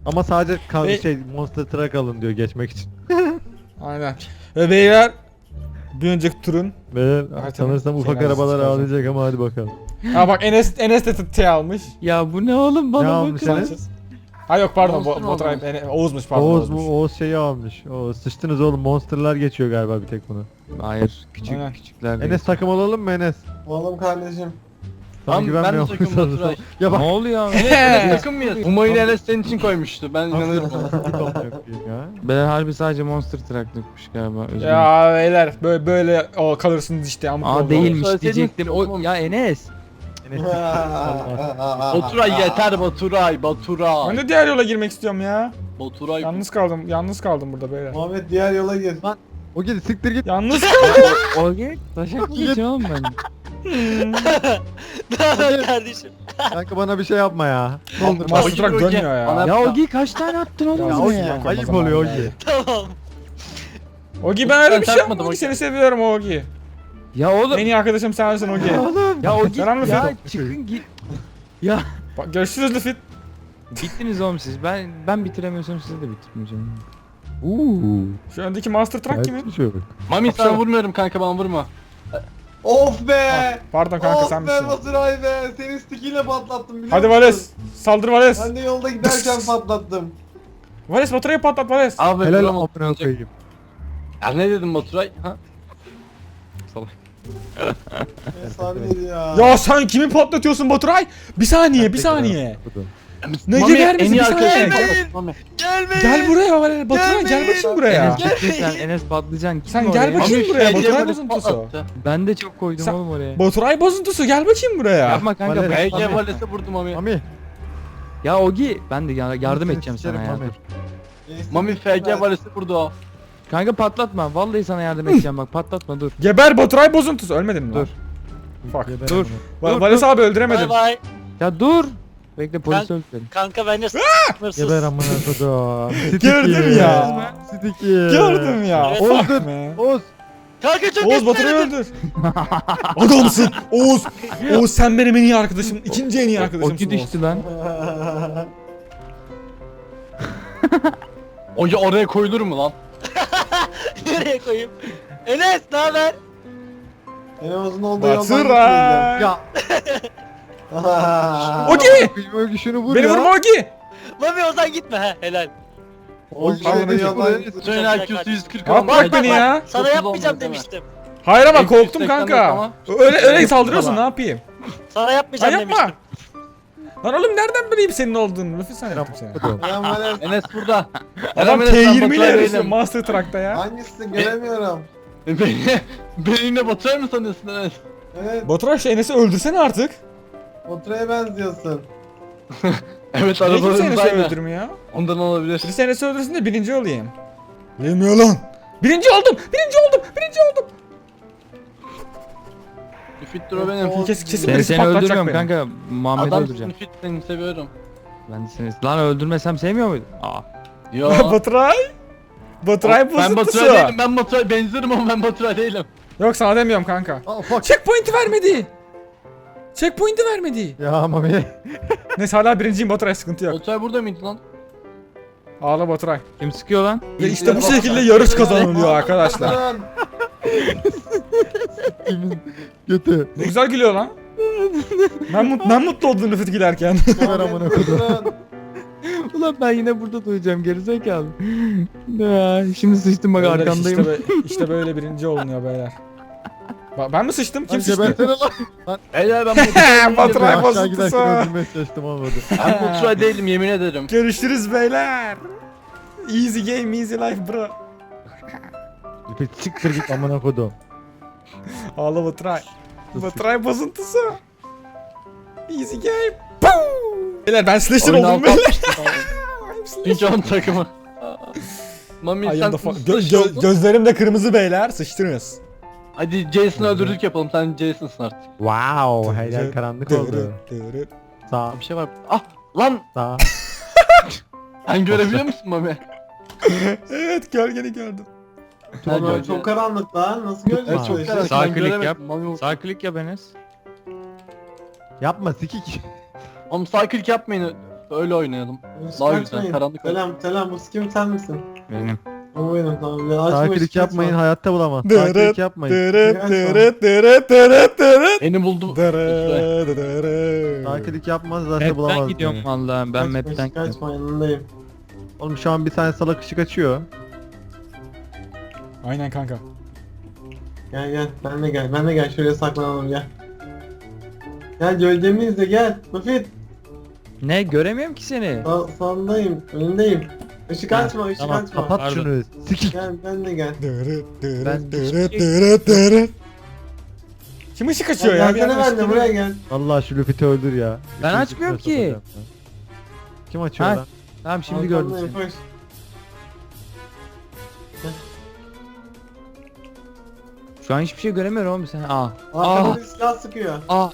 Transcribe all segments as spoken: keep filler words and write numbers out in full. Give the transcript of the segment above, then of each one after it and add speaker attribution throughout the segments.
Speaker 1: Ama sadece kal
Speaker 2: Ve-
Speaker 1: şey Monster Truck alın diyor geçmek için.
Speaker 2: Aynen. Ve beyler bir önceki turun.
Speaker 1: Ve
Speaker 2: Evet,
Speaker 1: sanırsam
Speaker 2: evet.
Speaker 1: ufak
Speaker 2: Şeyler
Speaker 1: arabalar
Speaker 2: çıkaracak.
Speaker 1: ağlayacak ama hadi bakalım.
Speaker 2: Ha bak Enes Enes de T almış.
Speaker 3: Ya bu ne oğlum
Speaker 1: Ne
Speaker 3: bana
Speaker 1: almış
Speaker 3: bakın.
Speaker 1: Enes?
Speaker 2: Ha yok pardon
Speaker 4: Monster
Speaker 2: Bo
Speaker 4: mı
Speaker 2: Baturay
Speaker 4: almış?
Speaker 2: Ene- Oğuz'muş pardon.
Speaker 1: Oğuz
Speaker 2: Oğuz'muş.
Speaker 1: mu? Oğuz şeyi almış. O sıçtınız oğlum, Monster'lar geçiyor galiba bir tek bunu.
Speaker 3: Hayır küçük
Speaker 2: Aynen.
Speaker 3: küçükler değil.
Speaker 1: Enes takım olalım mı Enes?
Speaker 4: Oğlum kardeşim.
Speaker 1: Sana
Speaker 4: Tamam, ben de
Speaker 1: güvenmiyorum.
Speaker 4: takım
Speaker 1: Sana-
Speaker 4: Baturay.
Speaker 1: Ya
Speaker 3: Ne
Speaker 1: bak.
Speaker 3: oluyor?
Speaker 4: Enes takım mıyız? Umay'ın Enes senin için koymuştu. Ben inanıyorum.
Speaker 1: ya.
Speaker 3: Ben harbi sadece Monster Truck'lıkmış galiba. Özür dilerim.
Speaker 2: Ya beyler böyle böyle o kalırsınız işte amk
Speaker 3: Aa
Speaker 2: oldu.
Speaker 3: değilmiş
Speaker 4: Söyleseydin
Speaker 3: diyecektim. O
Speaker 4: tamam.
Speaker 3: ya Enes.
Speaker 1: Enes.
Speaker 4: Baturay yeter Baturay. Baturay.
Speaker 2: Ben de diğer yola girmek istiyorum ya.
Speaker 4: Baturay.
Speaker 2: Yalnız kaldım. Yalnız kaldım burada beyler.
Speaker 4: Muhammed diğer yola gir.
Speaker 1: O gidi siktir git.
Speaker 2: Yalnız kaldım.
Speaker 3: O gel. Taşak mı geçiyor oğlum ben?
Speaker 5: Kardeşim.
Speaker 1: Kanka bana bir şey yapma ya.
Speaker 2: Master Truck
Speaker 4: Ogi,
Speaker 2: dönmüyor ya.
Speaker 4: Bana-
Speaker 3: Ya Ogi kaç tane attın oğlum
Speaker 2: Ya
Speaker 1: Ya
Speaker 3: ya?
Speaker 1: o
Speaker 2: Ogi,
Speaker 3: ya?
Speaker 1: ayıp
Speaker 2: zaman
Speaker 1: oluyor o
Speaker 2: yani.
Speaker 1: gibi.
Speaker 5: Tamam.
Speaker 2: Ogi ben öyle bir şey
Speaker 4: takmadım
Speaker 2: yapmadım.
Speaker 4: Ogi.
Speaker 2: Seni seviyorum Ogi.
Speaker 3: Ya oğlum.
Speaker 2: En iyi arkadaşım sensin Ogi.
Speaker 3: Ya Ogi
Speaker 2: Selam Lütfü.
Speaker 3: ya çıkın git. Ya
Speaker 2: Bak görüşürüz Lüfit.
Speaker 3: bittiniz oğlum siz. Ben ben bitiremiyorsam siz de bitirmeyeceğim. Uuu.
Speaker 2: Şu öndeki Master Truck kimin?
Speaker 1: Gayet bir şey yok.
Speaker 4: Mami
Speaker 2: Akşam-
Speaker 4: sen vurmuyorum kanka, bana vurma. Of be!
Speaker 2: Pardon kanka sen
Speaker 4: Of be
Speaker 2: misin?
Speaker 4: Baturay be! Senin stickiyle patlattım biliyor
Speaker 2: Hadi
Speaker 4: musun?
Speaker 2: Vales. Saldır Vales.
Speaker 4: Ben de yolda giderken patlattım.
Speaker 2: Vales Baturay'ı patlat Vales.
Speaker 4: Abi
Speaker 1: Helal
Speaker 4: vuramadım.
Speaker 1: amına koyayım.
Speaker 4: Ya ne dedim Baturay? Ha? Efsaneydi ya.
Speaker 2: Ya sen kimi patlatıyorsun Baturay? Bir saniye bir saniye. Ne
Speaker 4: Mami,
Speaker 2: gider
Speaker 4: en
Speaker 2: misin?
Speaker 4: iyi
Speaker 2: Bir saniye.
Speaker 4: arkadaşım
Speaker 2: Gel,
Speaker 4: patlattı Mami.
Speaker 5: Gelmeyin.
Speaker 2: gel buraya Vales. Baturay gel bakayım buraya.
Speaker 3: Enes bitti sen Enes patlayacaksın. Kim
Speaker 2: Sen
Speaker 3: oraya?
Speaker 2: gel bakayım.
Speaker 4: Mami
Speaker 2: buraya,
Speaker 4: F C
Speaker 2: Baturay
Speaker 4: Vales
Speaker 2: bozuntusu.
Speaker 4: patlattı.
Speaker 3: Ben de çok koydum
Speaker 2: Sen-
Speaker 3: oğlum oraya.
Speaker 2: Baturay bozuntusu gel bakayım buraya.
Speaker 3: Yapma kanka.
Speaker 1: Vales-
Speaker 3: ben-
Speaker 4: F C
Speaker 1: Mami.
Speaker 4: Vales'e vurdu Mami.
Speaker 1: Mami.
Speaker 3: Ya Ogi ben de ya- yardım
Speaker 1: Seni
Speaker 3: edeceğim sana
Speaker 1: sikerim
Speaker 3: ya.
Speaker 1: Mami.
Speaker 3: dur.
Speaker 4: Mami F C Vales'e vurdu o.
Speaker 3: Kanka patlatma. Vallahi sana yardım edeceğim bak patlatma dur.
Speaker 2: Geber Baturay bozuntusu. Ölmedin mi lan?
Speaker 3: Dur.
Speaker 2: Fuck.
Speaker 1: Geber
Speaker 3: Dur.
Speaker 1: amına.
Speaker 2: Va-
Speaker 3: Dur,
Speaker 2: Vales
Speaker 3: dur.
Speaker 2: abi
Speaker 5: Bay
Speaker 2: öldüremedim.
Speaker 5: bay.
Speaker 3: Ya dur. Bekle polis
Speaker 5: Ben-
Speaker 3: öldürelim.
Speaker 5: Kanka bence sınırsız.
Speaker 1: Geber amına kodum.
Speaker 2: Gördüm ya.
Speaker 1: Sticky.
Speaker 2: Gördüm ya.
Speaker 5: Evet.
Speaker 2: Fuck
Speaker 1: Oğuz
Speaker 2: me.
Speaker 1: Oğuz.
Speaker 5: Kanka çok
Speaker 2: Oğuz Baturay'ı
Speaker 5: istemedim.
Speaker 2: öldür. Adamsın. Oğuz. Oğuz sen benim en iyi arkadaşım. İkinci en iyi arkadaşımsın
Speaker 3: Ogi
Speaker 2: Oğuz.
Speaker 3: düştü lan.
Speaker 4: O ya oraya koyulur mu lan?
Speaker 5: Nereye koyayım? Enes ne haber?
Speaker 4: Enemizin olduğu yoldan
Speaker 2: Baturay.
Speaker 1: Ya.
Speaker 2: Ogi.
Speaker 1: Ogi şunu vur
Speaker 2: Beni
Speaker 1: ya.
Speaker 2: vurma Ogi.
Speaker 5: Mami Ozan gitme ha helal.
Speaker 1: Ogi
Speaker 2: Pardon,
Speaker 1: şunu
Speaker 2: Ege.
Speaker 1: yoldan.
Speaker 4: Senin I Q'su yüz kırk
Speaker 2: At
Speaker 4: ama.
Speaker 2: bırak beni ya.
Speaker 5: Sana
Speaker 4: Dokuz
Speaker 5: yapmayacağım
Speaker 4: olmaz değil mi?
Speaker 5: demiştim.
Speaker 2: Hayır ama
Speaker 4: Eksi
Speaker 2: korktum
Speaker 4: yüz seksen
Speaker 2: kanka.
Speaker 4: ama.
Speaker 2: Öyle öyle
Speaker 4: Eksi
Speaker 2: saldırıyorsun
Speaker 4: ama.
Speaker 2: ne yapayım?
Speaker 5: Sana
Speaker 2: Ha
Speaker 5: yapmayacağım
Speaker 2: yapma.
Speaker 5: demiştim.
Speaker 2: Lan oğlum nereden bileyim senin olduğunu? Lütfen sen yaptım seni.
Speaker 4: Enes burada.
Speaker 2: Adam
Speaker 4: Enes,
Speaker 2: T
Speaker 4: ben
Speaker 2: yirmi ile
Speaker 4: Baturay
Speaker 2: yarışıyor
Speaker 4: değilim.
Speaker 2: Master Truck'ta ya.
Speaker 4: Hangisi göremiyorum. Beni, beni yine Baturay mı sanıyorsun Enes? Evet,
Speaker 2: Baturay şu Enes'i öldürsene artık.
Speaker 4: Baturay'a benziyorsun. evet
Speaker 2: Niye kimse
Speaker 4: arabalarımız
Speaker 2: Enes'i
Speaker 4: aynı.
Speaker 2: öldürmüyor?
Speaker 4: Ondan olabilir.
Speaker 2: Birisi Enes'i öldürsün de birinci olayım. Yemiyor lan. Birinci oldum. Birinci oldum. Birinci oldum.
Speaker 4: Fit dur benim.
Speaker 2: Kes, kesin
Speaker 3: Seni,
Speaker 2: birisi
Speaker 3: seni
Speaker 2: patlatacak
Speaker 3: öldürmüyorum
Speaker 2: beni.
Speaker 3: kanka. Muhammed'i
Speaker 4: Adam
Speaker 3: öldüreceğim.
Speaker 4: fit seni seviyorum.
Speaker 3: Ben de seni... Lan öldürmesem sevmiyor muydun? Aa.
Speaker 4: Yo.
Speaker 2: Baturay. Baturay
Speaker 4: ben
Speaker 2: bozuntusu.
Speaker 4: Baturay değilim, ben Baturay benzerim ama ben Baturay değilim.
Speaker 2: Yok sana demiyorum kanka.
Speaker 1: Oh fuck.
Speaker 2: Checkpoint'i vermedi. Checkpoint'i vermedi.
Speaker 1: Ya Mami.
Speaker 2: Neyse hala birinciyim Baturay sıkıntı yok.
Speaker 4: Baturay burada mıydı lan?
Speaker 2: Ağla Baturay.
Speaker 3: Kim sıkıyor lan?
Speaker 2: Ve işte bu şekilde yarış kazanılıyor arkadaşlar.
Speaker 1: Kimin götü.
Speaker 2: Ne güzel gülüyor lan. Ben, mut ben mutlu oldum Rıfat gülerken.
Speaker 1: Geber amına kodum.
Speaker 3: Ulan ben yine burada duyacağım gerizekalı. Ya, şimdi sıçtım bak
Speaker 2: Beyler,
Speaker 3: arkandayım.
Speaker 2: İşte, böyle- işte böyle birinci olunuyor beyler. Ba- ben mi sıçtım? Kim
Speaker 1: Lan
Speaker 2: sıçtı?
Speaker 1: gebersene lan.
Speaker 4: Beyler ben Baturay değilim.
Speaker 2: Baturay
Speaker 1: Aşağı
Speaker 2: bozuntusu.
Speaker 1: giderken öldürmeye çalıştım olmadı.
Speaker 4: Ben Baturay değilim yemin ederim.
Speaker 2: Görüşürüz beyler. Easy game, easy life bro.
Speaker 1: Bir siktir git amına kodum.
Speaker 2: Ağla Baturay. Baturay bozuntusu. Easy game. Boom! Beyler ben slasher
Speaker 4: Oyunu
Speaker 2: oldum
Speaker 4: alt
Speaker 2: beyler.
Speaker 4: Çünkü onun takımı. Mami
Speaker 2: Ay,
Speaker 4: sen
Speaker 2: yanda fa-
Speaker 4: nasıl
Speaker 2: gö-
Speaker 4: slasher
Speaker 2: gö-
Speaker 4: oldun?
Speaker 2: gözlerim de kırmızı beyler. Sıçtınız.
Speaker 4: Hadi Jason'ı öldürdük yapalım, sen Jason'sın artık.
Speaker 1: Wow, her yer karanlık oldu. Sağ,
Speaker 4: Bir şey var. Ah lan
Speaker 1: sağ.
Speaker 4: sen görebiliyor musun Mami?
Speaker 2: Evet gölgeni gördüm.
Speaker 4: Ha,
Speaker 6: Ulan
Speaker 4: gölge.
Speaker 6: çok karanlık lan. Nasıl
Speaker 1: Evet,
Speaker 6: göreceğiz?
Speaker 4: çok
Speaker 6: bu işi?
Speaker 4: karanlık.
Speaker 3: Sağ
Speaker 4: Ben
Speaker 3: klik
Speaker 4: göremedim.
Speaker 3: yap.
Speaker 4: Mami,
Speaker 3: Sağ klik yap Enes.
Speaker 1: Yapma sikik.
Speaker 4: Oğlum sağ klik yapmayın. Öyle oynayalım.
Speaker 6: Hiç
Speaker 4: Daha güzel,
Speaker 6: kaçmayın.
Speaker 4: karanlık.
Speaker 6: Selam selam bu kim sen misin?
Speaker 3: Benim.
Speaker 6: O benim tamam. Ya, açma,
Speaker 1: Takilik
Speaker 6: hiç kaçma.
Speaker 1: yapmayın, hayatta bulamaz.
Speaker 2: Dırıt,
Speaker 1: Takilik yapmayın.
Speaker 2: Dırıt dırıt dırıt dırıt dırıt.
Speaker 4: Beni buldu.
Speaker 2: Dırıt dırıt.
Speaker 1: Takilik yapmaz zaten
Speaker 3: Map'ten
Speaker 1: bulamaz.
Speaker 3: gidiyorum
Speaker 1: beni.
Speaker 3: vallahi ben
Speaker 6: Kaçma,
Speaker 3: map'ten
Speaker 6: hiç
Speaker 3: gidiyorum.
Speaker 6: kaçma yanındayım.
Speaker 1: Oğlum şu an bir tane salak ışık açıyor.
Speaker 2: Aynen kanka.
Speaker 6: Gel gel ben de gel ben de gel şuraya saklanalım gel. Gel gölgemi izle gel. Mufit
Speaker 3: Ne göremiyorum ki seni.
Speaker 6: sağ, sağındayım önündeyim. Işık
Speaker 3: Ha,
Speaker 6: açma ışık
Speaker 1: Tamam
Speaker 6: açma.
Speaker 1: kapat
Speaker 3: Pardon.
Speaker 1: şunu. Sikik.
Speaker 6: Gel ben de gel.
Speaker 2: Dırıt
Speaker 3: Ben
Speaker 2: dırıt dırıt
Speaker 3: hiçbir şey-
Speaker 2: dırıt dırıt. Kim ışık açıyor
Speaker 6: Gel,
Speaker 2: ya? Bir
Speaker 6: gelsene
Speaker 2: yandan
Speaker 6: ben de
Speaker 2: ışık
Speaker 6: buraya
Speaker 2: geliyor.
Speaker 6: gel.
Speaker 1: Allah şu Luffy'ti öldür ya.
Speaker 3: Ben
Speaker 1: İkinci
Speaker 3: açmıyorum
Speaker 1: kısmına
Speaker 3: ki.
Speaker 1: sokacağım ben. Kim açıyor
Speaker 3: Ha,
Speaker 1: lan?
Speaker 3: Tamam şimdi gördüm
Speaker 6: Arkandayım,
Speaker 3: seni.
Speaker 6: koş.
Speaker 3: Şu an hiçbir şey göremiyorum oğlum sen. Aa.
Speaker 6: Arkamda
Speaker 3: Aa.
Speaker 6: bir silah sıkıyor.
Speaker 3: Aa.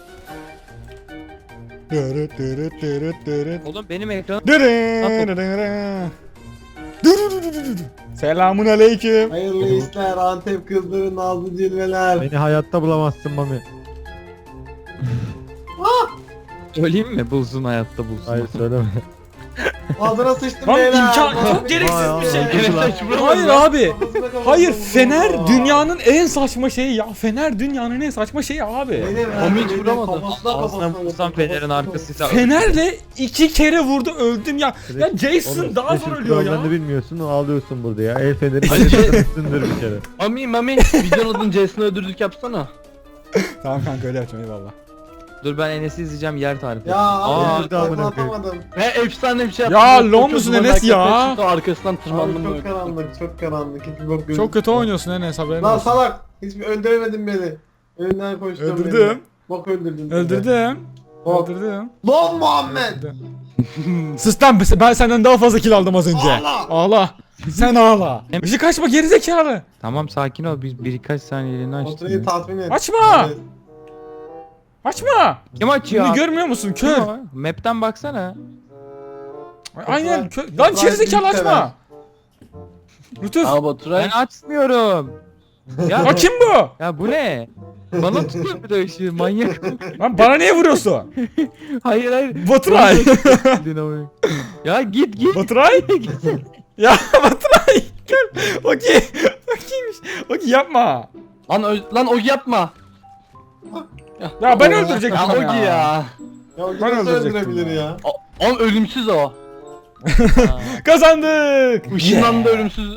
Speaker 2: Dırıt dırıt dırıt dırıt.
Speaker 3: Oğlum benim ekranım.
Speaker 2: Dırıt dırıt. Dırıt. Selamun aleyküm.
Speaker 6: Hayırlı işler Antep kızları nazlı cilveler.
Speaker 1: Beni hayatta bulamazsın Mami.
Speaker 3: Söyleyeyim mi? Bulsun hayatta bulsun.
Speaker 1: Hayır söyleme.
Speaker 6: Ağzına sıçtım
Speaker 2: Lan
Speaker 6: beyler.
Speaker 2: imkan
Speaker 6: Lan
Speaker 2: çok
Speaker 6: bir-
Speaker 2: gereksiz
Speaker 1: Vay
Speaker 2: bir şey.
Speaker 1: Allah.
Speaker 4: Enes hiç vuramadı
Speaker 2: Hayır
Speaker 4: lan.
Speaker 2: abi.
Speaker 6: Kafasına kafasına
Speaker 2: Hayır
Speaker 6: vurdum.
Speaker 2: Fener
Speaker 6: Aa.
Speaker 2: dünyanın en saçma şeyi ya. Fener dünyanın en saçma şeyi abi.
Speaker 6: Benim
Speaker 4: Ama
Speaker 6: ben
Speaker 4: hiç
Speaker 6: benim
Speaker 4: vuramadı.
Speaker 6: kafasına
Speaker 3: Ağzına
Speaker 6: kafasına
Speaker 3: vursam
Speaker 6: vurdum,
Speaker 3: Fener'in
Speaker 6: kafasına
Speaker 3: arkasıysa.
Speaker 2: Fener'le iki kere vurdu öldüm ya. Ya Jason
Speaker 1: Oğlum,
Speaker 2: daha
Speaker 1: Special
Speaker 2: zor ölüyor ya.
Speaker 1: kurallarını bilmiyorsun ağlıyorsun burada ya. El feneri üstündür bir kere.
Speaker 4: Mami Mami videonun adını Jason'ı öldürdük yapsana.
Speaker 2: Tamam kanka öyle yapacağım eyvallah.
Speaker 3: Dur ben Enes'i izleyeceğim yer tarifi.
Speaker 6: Ya
Speaker 3: Aa,
Speaker 6: abi
Speaker 1: öldürdü amına
Speaker 6: takla
Speaker 1: koyayım.
Speaker 6: atamadım.
Speaker 4: Ve efsane bir şey
Speaker 2: Ya,
Speaker 4: yaptım.
Speaker 2: lol
Speaker 4: Çok
Speaker 2: musun
Speaker 4: uzun
Speaker 2: Enes ya?
Speaker 4: hareket çıktı, Arkasından
Speaker 6: Abi
Speaker 4: tırmandım
Speaker 6: çok
Speaker 4: böyle.
Speaker 6: karanlık çok karanlık. Hiçbir bok
Speaker 2: Çok
Speaker 6: gözükmüyor.
Speaker 2: kötü oynuyorsun Enes haberin
Speaker 6: Lan
Speaker 2: olsun.
Speaker 6: salak. Hiçbir öldüremedin beni. Önünden koştun beni.
Speaker 2: Öldürdüm.
Speaker 6: Bok öldürdün.
Speaker 2: Öldürdüm.
Speaker 6: Bok.
Speaker 2: Öldürdüm.
Speaker 6: Lan Muhammed.
Speaker 2: Sus lan ben senden daha fazla kill aldım az önce.
Speaker 6: Ağla.
Speaker 2: Ağla. Sen ağla.
Speaker 3: Hem-
Speaker 2: Işık açma gerizekalı.
Speaker 3: Tamam sakin ol biz birkaç saniyeliğine
Speaker 6: Oturayı
Speaker 3: açtık.
Speaker 6: tatmin et.
Speaker 2: Açma.
Speaker 6: Evet.
Speaker 2: Açma.
Speaker 3: Kim açıyor?
Speaker 2: Bunu görmüyor musun kör?
Speaker 3: Kim o? Map'ten baksana.
Speaker 2: Aynen kör.
Speaker 6: Baturay
Speaker 2: Lan gerizekalı
Speaker 6: büyük sever.
Speaker 2: açma. Lütuf.
Speaker 4: Aa Baturay.
Speaker 3: Ben açmıyorum. Ya,
Speaker 2: Ya kim bu?
Speaker 3: ya bu ne? Bana tutuyor bir de ışığı manyak.
Speaker 2: Lan bana niye vuruyorsun?
Speaker 3: hayır hayır.
Speaker 2: Baturay.
Speaker 3: ya git git.
Speaker 2: Baturay. Ya Baturay. Gel. Okey. Okeymiş. Okey yapma.
Speaker 4: Lan, ö- lan Ogi yapma.
Speaker 2: Ya ben öldürecektim
Speaker 4: Ya
Speaker 2: ama
Speaker 4: Ogi ya.
Speaker 6: Ya o
Speaker 2: Ben
Speaker 6: nasıl
Speaker 2: öldürecektim
Speaker 6: öldürebilir
Speaker 2: ya.
Speaker 6: ya?
Speaker 4: O, oğlum ölümsüz o.
Speaker 2: Kazandık.
Speaker 4: Işınlandı ölümsüz.